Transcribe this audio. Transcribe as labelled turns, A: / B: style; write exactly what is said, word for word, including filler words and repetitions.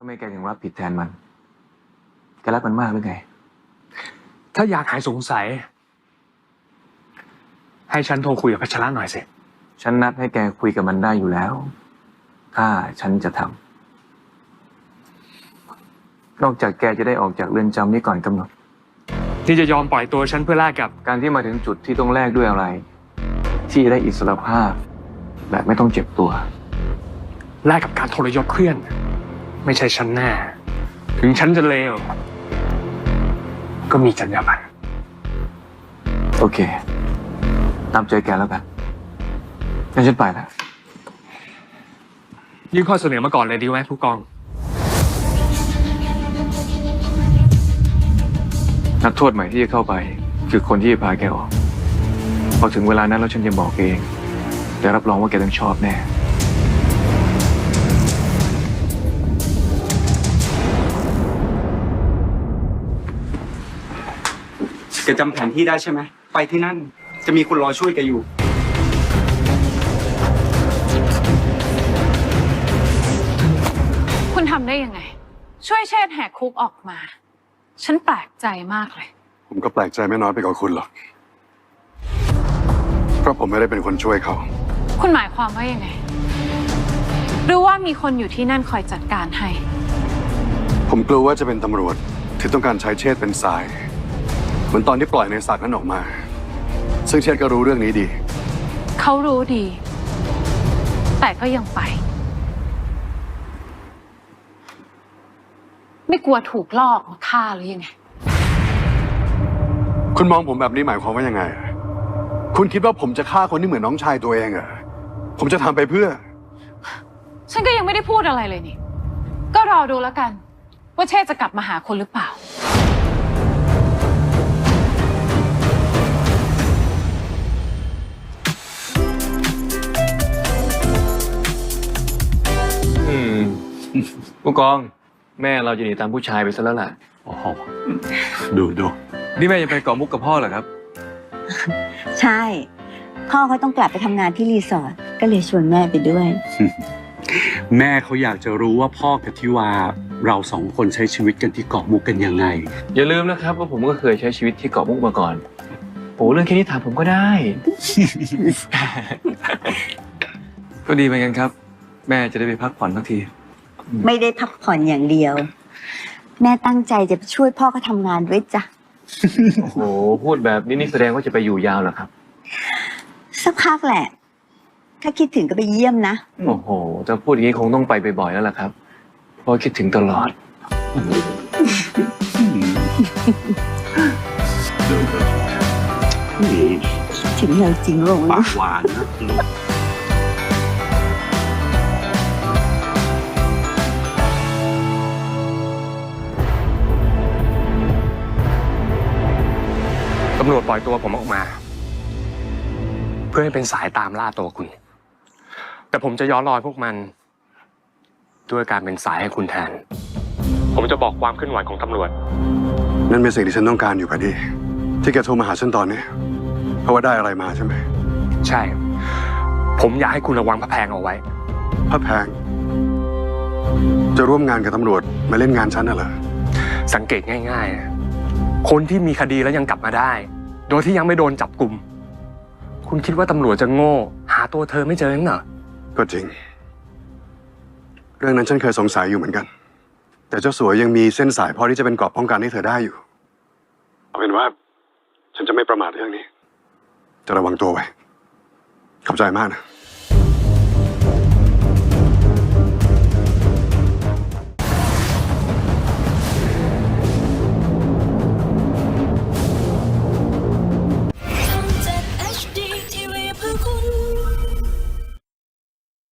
A: ไม่แกถึงรับผิดแทนมันแกรักมันมากหรือไง
B: ถ้าอยากหายสงสัยให้ฉันโทรคุยกับพัชระหน่อยสิ
A: ฉันนัดให้แกคุยกับมันได้อยู่แล้วถ้าฉันจะทำนอกจากแกจะได้ออกจากเรือนจำนี้ก่อนกำหนด
B: ที่จะยอมปล่อยตัวฉันเพื่อแลกกับ
A: การที่มาถึงจุดที่ต้องแลกด้วยอะไรที่จะได้อิสรภาพแบบไม่ต้องเจ็บตัว
B: แลกกับการทรยศเพื่อนไม่ใช่ฉันแน่ถึงฉันจะเลวก็มีจรรยาบรรณ
A: โอเคตามใจแกแล้วกันงั้นฉันไปแล้ว
B: ยื่นข้อเสนอมาก่อนเลยดีไหมผู้กอง
A: นักโทษใหม่ที่จะเข้าไปคือคนที่จะพาแกออกพอถึงเวลานั้นแล้วฉันจะบอกเองแต่รับรองว่าแกต้องชอบแน่
C: แกจำแผนที่ได้ใช่ไหมไปที่นั่นจะมีคนรอช่วยแกอยู่
D: คุณทำได้ยังไงช่วยเชษฐ์แหกคุกออกมาฉันแปลกใจมากเลย
E: ผมก็แปลกใจไม่น้อยไปกว่าคุณหรอกเพราะผมไม่ได้เป็นคนช่วยเขา
D: คุณหมายความว่ายังไงหรือว่ามีคนอยู่ที่นั่นคอยจัดการให้
E: ผมกลัวว่าจะเป็นตำรวจที่ต้องการใช้เชษฐ์เป็นสายเหมือนตอนที่ปล่อยในศักดิ์นั้นออกมาซึ่งเชษฐ์ก็รู้เรื่องนี้ดี
D: เขารู้ดีแต่ก็ยังไปไม่กลัวถูกลอกมาฆ่าหรือยังไง
E: คุณมองผมแบบนี้หมายความว่ายังไงคุณคิดว่าผมจะฆ่าคนที่เหมือนน้องชายตัวเองเหรอผมจะทำไปเพื่อ
D: ฉันก็ยังไม่ได้พูดอะไรเลยนี่ก็รอดูแล้วกันว่าเชษจะกลับมาหาคนหรือเปล่า
A: อืมผู้กองแม่เราจะหนีตามผู้ชายไปซะแล้วล่ะ
E: โอ้โหดูดู
A: นี่แม่จะไปเกาะมุกกับพ่อเหรอครับ
F: ใช่พ่อเขาต้องกลับไปทำงานที่รีสอร์ทก็เลยชวนแม่ไปด้วย
G: แม่เขาอยากจะรู้ว่าพ่อกับทิวาเราสองคนใช้ชีวิตกันที่เกาะมุกกันยังไง
A: อย่าลืมนะครับว่าผมก็เคยใช้ชีวิตที่เกาะมุกมาก่อนโอ้เรื่องแค่นี้ถามผมก็ได้ ก็ดีเหมือนกันครับแม่จะได้ไปพักผ่อนทักที
F: ไม่ได้พักผ่อนอย่างเดียวแม่ตั้งใจจะไปช่วยพ่อเขาทำงานด้วยจ้ะ
A: โอ้โหพูดแบบนี้นี่แสดงว่าจะไปอยู่ยาวเหรอครับ
F: สักพักแหละถ้าคิดถึงก็ไปเยี่ยมนะ
A: โอ้โหจะพูดอย่างนี้คงต้องไปบ่อยๆแล้วล่ะครับเพราะคิดถึงตลอด
F: ถึงเราจริงลงนะ
G: หวานนะลูก
B: ตำรวจปล่อยตัวผมออกมาเพื่อให้เป็นสายตามล่าตัวคุณแต่ผมจะย้อนรอยพวกมันด้วยการเป็นสายให้คุณแทนผมจะบอกความเคลื่อนไหวของตำรวจ
E: นั่นเป็นสิ่งที่ฉันต้องการอยู่พอดีที่แกโทรมาหาฉันตอนนี้เพราะว่าได้อะไรมาใช่ไหม
B: ใช่ผมอยากให้คุณระวังพระแพงเอาไว้
E: พระแพงจะร่วมงานกับตำรวจมาเล่นงานฉันน่ะเหรอ
B: สังเกตง่ายๆคนที่มีคดีแล้วยังกลับมาได้โดยที่ยังไม่โดนจับกุมคุณคิดว่าตำรวจจะโง่หาตัวเธอไม่เจอเหรอ
E: ก็จริงเรื่องนั้นฉันเคยสงสัยอยู่เหมือนกันแต่เจ้าสัวยังมีเส้นสายพอที่จะเป็นเกราะป้องกันให้เธอได้อยู่เอาเป็นว่าฉันจะไม่ประมาทเรื่องนี้จะระวังตัวไว้ขอบใจมากนะ